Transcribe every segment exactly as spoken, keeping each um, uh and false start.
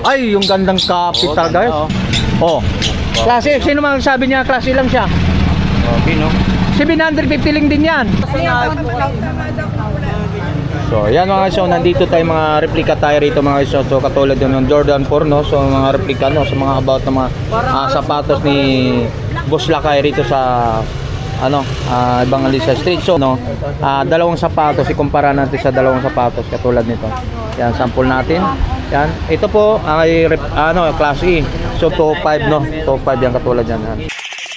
Ay, yung gandang capital, guys. Oh. Klase, sino man sabi niya klase lang siya? Okay, no? seven fifty lang din yan. So, yan mga guys, so nandito tayo mga replica tayo rito mga guys. So, katulad yun ng Jordan four, no? So, mga replica, no? So, mga about ng mga uh, sapatos ni Boss Lakay rito sa ano, uh, Evangelista Street. So, no? Uh, dalawang sapatos, ikumpara natin sa dalawang sapatos katulad nito. Yan, sample natin. Yan. Ito po ay ano, class E. So, top five, no? top five yan katulad yan. Yan.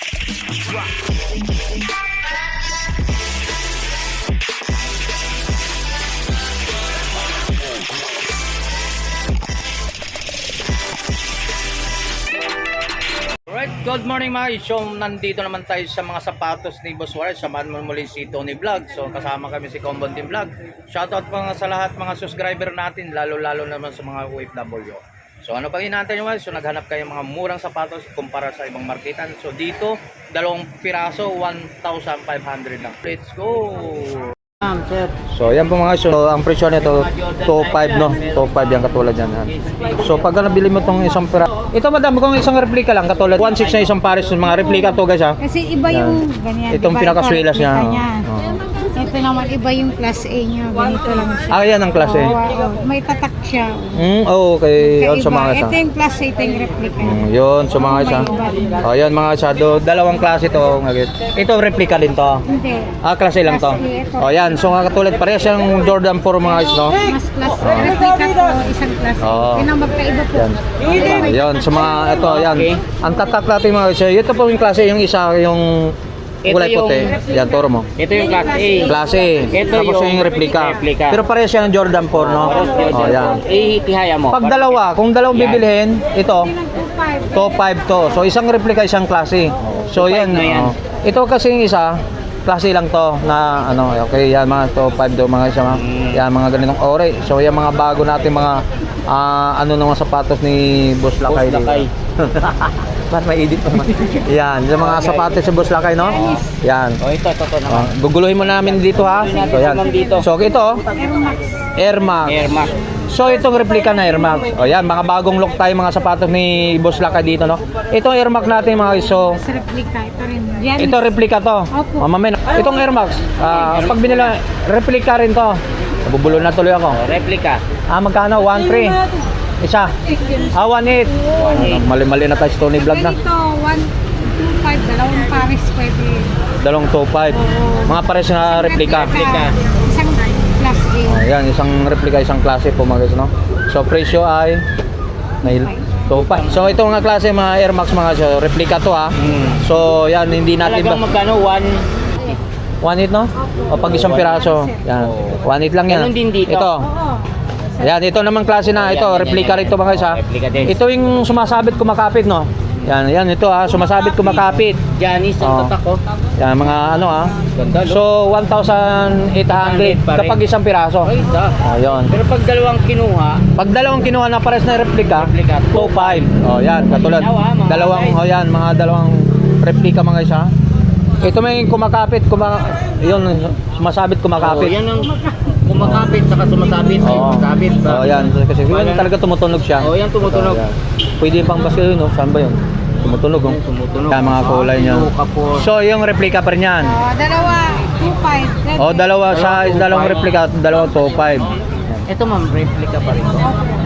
Good morning mga guys. So, nandito naman tayo sa mga sapatos ni Boss Juarez. Samahan mo muli si Tony Vlog. So, kasama kami si Combon Team Vlog. Shoutout pa nga sa lahat mga subscriber natin, lalo-lalo naman sa mga O F W. So, ano pang inaantay nyo guys? So, naghanap kayo mga murang sapatos kumpara sa ibang marketan. So, dito, dalawang piraso, one thousand five hundred lang. Let's go! So, yan po mga guys. So, ang presyo nito, top five, no? top five yan katulad yan. So, pag nabili mo itong isang pira, ito madam, kung isang replika lang, katulad one six na isang pares, mga replika to guys ha. Kasi iba yung ganyan. Itong diba? pinakaswilas niya. Oh. Ito naman, iba yung class A niya. Ganito lang siya. Ah, yan ang class A. Oh, oh, may tatak siya. Mm, oh, okay. Yun, sa mga isa. Ito yung class A, ito yung replica. Mm, yun, sa mga isa. Oh, yan mga isa. Do, dalawang klase to. Ito replika din to. Hindi. Ah, class A lang to. Oh, yan. So, katulad parehas yung Jordan four mga guys, no? Mas class A. Replica to, isang class A. Oh. Yun ang magkaiba po. Yan. Ah, yun, sa mga, ito, yan. Ang tatak natin mga guys. Ito po yung klase, yung isa, yung kulay puti. Yan, turo mo. Ito yung class A. Klase. Ito Tapos yung, yung replika. replika. Pero parehas yan yung Jordan four, no? Oh, yan. Ihihaya mo. Pag dalawa, kung dalawang bibilhin, ito, five. top five to. So, isang replika, isang klase. So, yan. na yan. Oh. Ito kasi yung isa, klase lang to na ano, okay, yan mga top five do mga isa, mga, yan mga ganitong ore. So, yan mga bago natin mga uh, ano nung sapatos ni Boss Lakay. Boss Lakay. Bakit may edit naman? Yan, yung mga sapatos si Boss Lakay, no? Yan. Oh, ito, ito, ito naman. Uh, guguluhin mo namin dito ha. So, yan. So, ito, Air Max. Air Max. So, itong replika na Air Max. O yan, mga bagong look tayo mga sapatos ni Boss Lakay dito, no? Itong Air Max natin mga guys, so Mas replica, ito rin. Yan. ito replika to. Opo. Oh, mamaya. Itong Air Max, ah, pag binila, replika rin to. Nabubulo na tuloy ako. Oh, replica. Ah, magkano? one three. Isa. Ah, one eight. Mali-mali na tayo sa Tony Vlog na. Ganito, one two five, dalawang pares pwede. Dalawang two five. Mga pares na replika. Isang class A. Oh, yan, isang replika, isang klase po mga guys, no? So, presyo ay nail. two five. So, ito mga klase mga Air Max mga so, replika to ha. Hmm. So, yan, hindi natin Talagang ba? magkano? One. one eight, no? O pag isang piraso. Yan. one eight lang yan. Ganun din dito. Ito. Oo. Yan, ito naman klase na. Ito, replika rito mga guys ha. Replika din. Ito yung sumasabit kumakapit, no? Yan, yan, ito ha. Sumasabit kumakapit. Janice, Oh. ang tatak ko. Yan, mga ano ha. Ganda, no? So, one thousand eight hundred pa rin. kapag isang piraso. Ay, isa. Oh, yun. Pero pag dalawang kinuha, Pag dalawang kinuha na pares na replika, Replika, two five. Oh, yan, katulad. Dalawa, mga Dalawang, guys. oh yan, mga dalawang replika mga guys ha. Ito may kumakapit, kuma yun, sumasabit oh, kumakapit. yan ang kumakapit saka sumasabit. Ay, Oo. sumasabit. Oh, yan. Kasi yun talaga tumutunog siya. Oh, yan tumutunog. So, yan. Pwede pang basko yun, no? Saan ba yun? Tumutunog, oh. Tumutunog. Yan, mga kulay niya. Ah, kapos. So, yung replika pa rin yan. Oh, dalawa, two five. Oh, dalawa sa dalawang replika, dalawang two five. Ito ma'am, replica pa rin.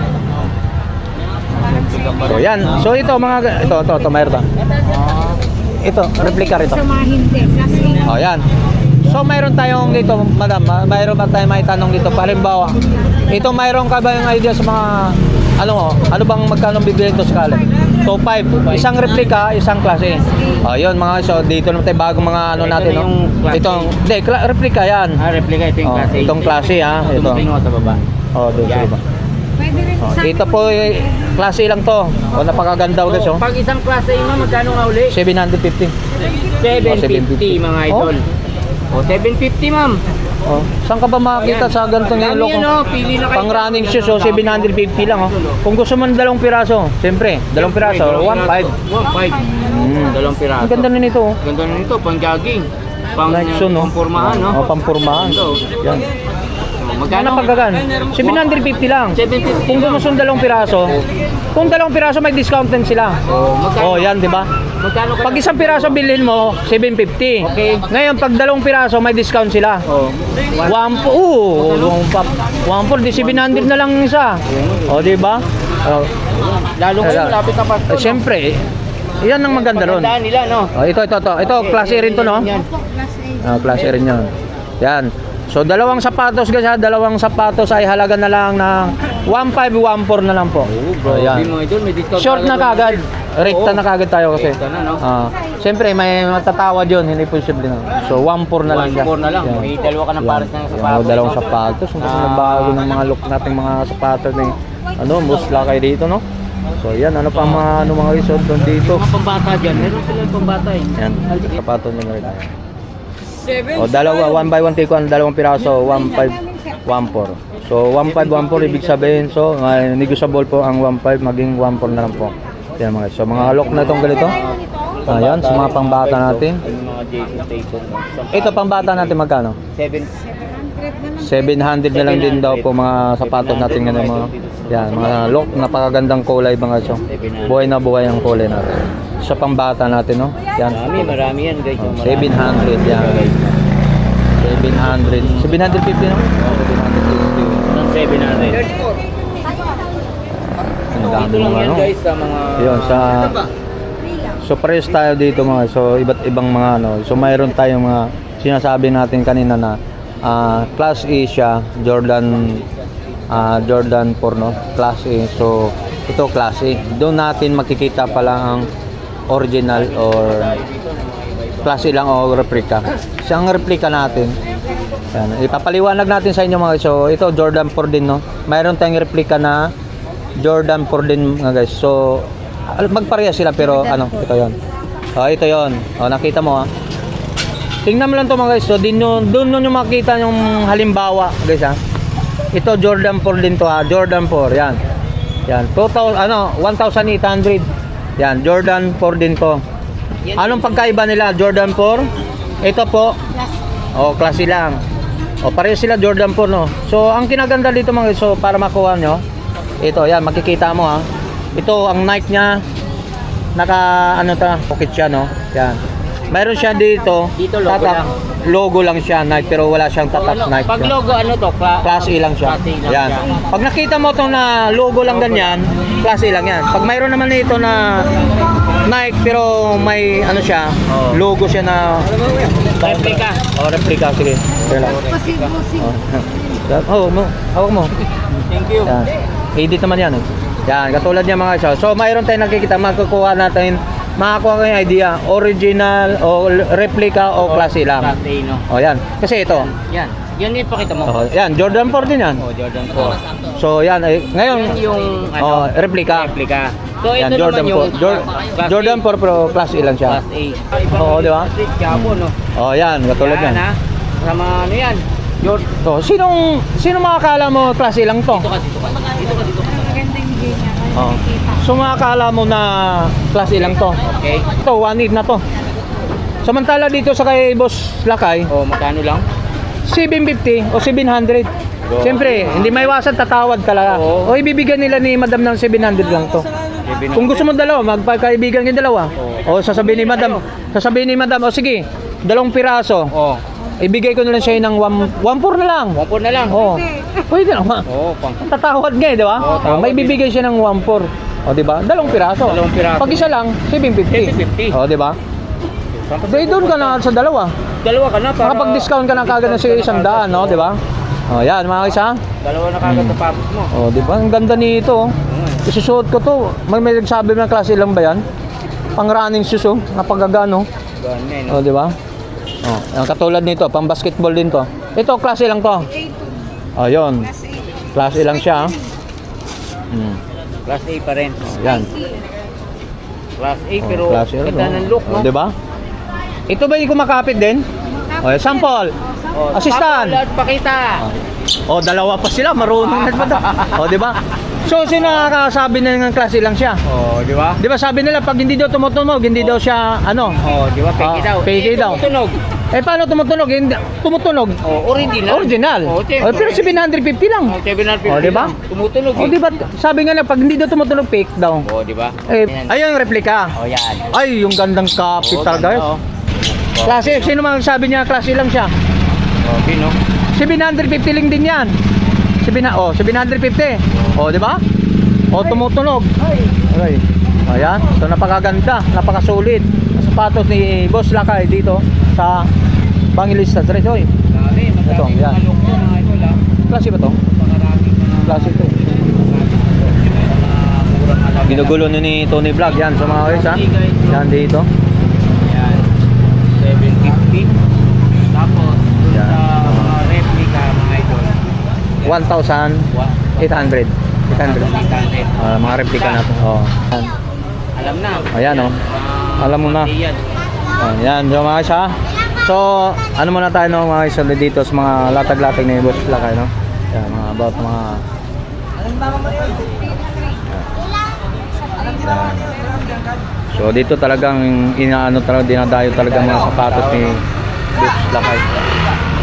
So, yan. So, ito mga, ito, ito, ito, mayroon ta. Ito, replika rito. Sa mga hindi, class A. Oh, yan. So, mayroon tayong dito, madam, ah, mayroon ba tayong may tanong dito? Halimbawa, ito mayroon ka ba yung idea sa mga, ano mo, ano bang magkano bibili ito sa kalat? two five. Isang replika, isang klase. Oh, yun mga, so dito naman tayo bagong mga ano Ito natin, na no? yung klase. Itong, hindi, kla- replika yan. Ah, replica ito yung Oh, klase. itong klase, ha? Ito. Ito mo sa baba. Oh, dito Yan. ba? Pwede rin Oh, sa ito po, eh, klase lang to. O, napakaganda ulit, So, oh. pag isang klase yun ma'am, magkano nga uli? seven fifty. seven Oh, seven fifty fifty. mga idol. Oh, seven fifty ma'am. Oh, saan ka ba makakita sa ganitong Dami yellow? yan, oh. Pili na kayo. Pang running shoes, oh, seven fifty lang, oh. Kung gusto mo ng dalawang piraso, siyempre, dalawang piraso, one five. one five. Mm. Dalawang piraso. Ang ganda na nito, oh. Ganda na nito, pang jogging. Pang Like so, no? pampurmahan, no? Oh, pampurmahan. Ito. Yan. Magkano? Ano pagkagan? seven fifty lang. seven fifty Kung lang. gusto ng dalawang piraso, Kung dalawang piraso may discount din sila. Oh, magkano? Oh, yan, di ba? Magkano ka? Pag isang piraso bilhin mo, seven fifty. Okay. Ngayon, pag dalawang piraso, may discount sila. Oh. One po, oo, one pa, one po, di seven hundred na lang isa. O, di ba? Oh, Lalo kayo, Kaya- lapit na Pasko. eh, siyempre, eh, yan ang maganda ron. Pagandaan nila, no? Oh, ito, ito, ito. Ito, class A rin to, no? Yan. Opo, class A. Ah, class A rin yun. Yan. So, dalawang sapatos guys ha, dalawang sapatos ay halaga na lang ng one five, one four na lang po. Bro, Ayan. mo idol, may discount. Short na kagad. Rekta Oo. na kagad tayo kasi. Rekta na, no? Ah, siyempre may matatawad yun, hindi posible na. So one four na lang One siya. four na lang. Yan. May dalawa ka ng Yan. pares ng Yan, sapatos. oh, dalawang sapatos. Ang Ah. bago ng mga look nating mga sapatos ni ano, musla kayo dito, no? So yan, ano pa mga ano mga resort doon dito. Mga pambata dyan. Meron sila yung pambata eh. Yan, sapatos niya rin. O dalawa, one by one take one, dalawang piraso, one five, one four. So one five, one four ibig sabihin, so uh, negotiable po ang one five maging one four na lang po. Yan mga, so mga lock na itong ganito. Ayan, sa mga pangbata natin. Yung mga Jason Statham. no? Ito pangbata natin magkano? Seven. seven hundred na lang din daw po mga sapatos natin ngayon mga. Yan, mga lock, napakagandang kulay mga so. Buhay na buhay ang kulay natin. Sa pangbata natin, no? Yan. Marami, marami yan guys. Oh, Yung marami. seven hundred yan. seven hundred. seven fifty no? seven fifty. Ng seven hundred. Ang dami Ito lang mga yan ano. guys sa mga... Yun, sa so pares tayo dito mga so iba't ibang mga ano. So mayroon tayong mga sinasabi natin kanina na ah, class A siya, Jordan ah, Jordan four no, class A. So ito class A. Doon natin makikita pala ang original or class A lang o replica. Siyang replica natin. Yan, ipapaliwanag natin sa inyo mga guys. So ito Jordan four din no. Mayroon tayong replica na Jordan four din mga guys. So al- magpareha sila pero ano, ito 'yon. Oh, ito 'yon. Oh, nakita mo ha. Tingnan mo lang 'to mga guys. So din yun, doon nyo makita yung halimbawa, guys ha. Ito Jordan four din to ha. Jordan four, yan. Yan, two thousand ano, eighteen hundred. Yan, Jordan four din to. Anong pagkaiba nila? Jordan four. Ito po. Oh, klase lang. Oh, pareho sila Jordan four no. So, ang kinaganda dito mga guys, so para makuha nyo, ito, yan, makikita mo ha. Ito, ang Nike niya, naka, ano ta, pocket siya, no? Yan. Mayroon siya dito, Dito, logo tatak, lang. logo lang siya, Nike, pero wala siyang So, tatak ano, Nike. pag siya. logo ano to? Cla- Class A lang siya. Class A lang Yan. siya. Pag nakita mo itong na logo lang ganyan, Class A lang yan. Pag mayroon naman nito na Nike, pero may, ano siya, Oh. logo siya na, Replica. oh, replica, sige. Yan lang. Busing-busing. Oh, mo, hawak mo. Thank you. Yan. Edit naman yan eh. Yan, katulad niya mga siya. So, mayroon tayong nakikita, makukuha natin, makakuha kayo yung idea, original o replica o class A lang. Class A, no? O yan. Kasi ito. Yan. Yan yung pakita mo. Oh, yan, Jordan four din yan. Oh, Jordan four. So, yan. Eh, ngayon, Yan yung oh, ano, replica. replica. So Yan, ito Jordan naman four. yung Jor- class Jordan A. four pero class A lang siya. Class A. Oo, di ba? Gabo, no? Oh, yan, katulad Yan, yan. ha? Sama ano yan? Jordan. So, sinong sino makakala mo class A lang to? Dito ka, dito ka. Dito ka, dito ka. Maganda yung view niya. Kaya Oh. nakikita. So, makakala mo na class A lang to. Okay. Ito, one eight na to. Samantala dito sa kay Boss Lakay, Oh, magkano lang? seven fifty o seven hundred. Go. Siyempre, hindi may iwasan, tatawad ka lang. Oo. O ibibigyan nila ni Madam ng seven hundred lang to. Kung gusto mo dalawa, magpagkaibigan kayo dalawa. O sasabihin ni Madam, sasabihin ni Madam, o sige, dalawang piraso. Oh, Ibigay ko na lang siya ng one four na lang. one four na lang. Oo. Pwede lang. ma. Oh, pang. Tatawad nga eh, di ba? Oo, O, tawad may bibigay siya ng one four. O, di ba? Dalawang piraso. Dalawang piraso. Pag isa lang, seven fifty. seven fifty. O, di ba? Dahil doon ka na sa dalawa. Dalawa ka na para... Makapag-discount ka na kagad na sa isang daan, no? Di ba? O, yan, mga isa. Dalawa na kagad Hmm. sa papos mo. O, di ba? Ang ganda nito. oh. Oo. Isusuot ko to. May may nagsabi ng klase lang ba yan? Pang running shoes, oh. Napagagano. Ganyan, O, no? di ba? O, ang katulad nito, pang basketball din to. Ito, klase lang to. O, yun. Class A. Klase lang siya. ah. Hmm. Class A pa rin. Yan. Class A, Oh, pero klase rin, ganda oh. ng look, no? O, di ba? Ito ba yung kumakapit din? O, sample. Oh, Assistant. sample at pakita. O, dalawa pa sila. Marunong na ba? O, di ba? So, sino nakakasabi na ng klase lang siya? Oh, di ba? Di ba sabi nila, pag hindi daw tumutunog, hindi daw siya, ano? Oh, di ba? Peke Ah, daw. peke Eh, daw. tumutunog. Eh paano tumutunog? Hindi, tumutunog. Oh, original. Original. Oh, Oh, siyempre. pero seven fifty lang. Oh, seven hundred fifty Oh, di ba? lang. Tumutunog Oh, eh. di ba? Sabi nga na pag hindi daw tumutunog fake daw. Oh, di ba? Eh, Yan. ayun yung replika. Oh, yan. Ay, yung gandang kapit Oh, talaga. ganda, oh. Klase, sino mang sabi niya klase lang siya? Oh, pino. seven fifty lang din yan. seven, oh, seven fifty. Oh, di ba? Oh, tumutunog. Okay. Ayan. So, napakaganda. Napakasulit. Ang sapatos ni Boss Lakay dito sa Bangilista Street. Oy. Dami, Ito, madami yan. malok na mga idol ah. Klase ba to? Maraming mga Klase to. murang alam. Ginugulo ni ni Tony Vlog. Yan sa mga guys ha. Yan dito. Yan. seven fifty. Tapos, dun Yan. sa mga replica mga idol. one thousand eight hundred. eight hundred. eight hundred. Ah, mga replika natin. Oh. Yan. Alam na. Ayan, oh. Ah, Alam mo na. Yan. Ayan, so mga guys ha. So, ano muna tayo no, mga guys ulit dito sa mga latag-latag ni Boss Lakay, no? Yan, mga about mga... Yan. So, dito talagang inaano talaga, dinadayo talaga mga sapatos ni Boss Lakay.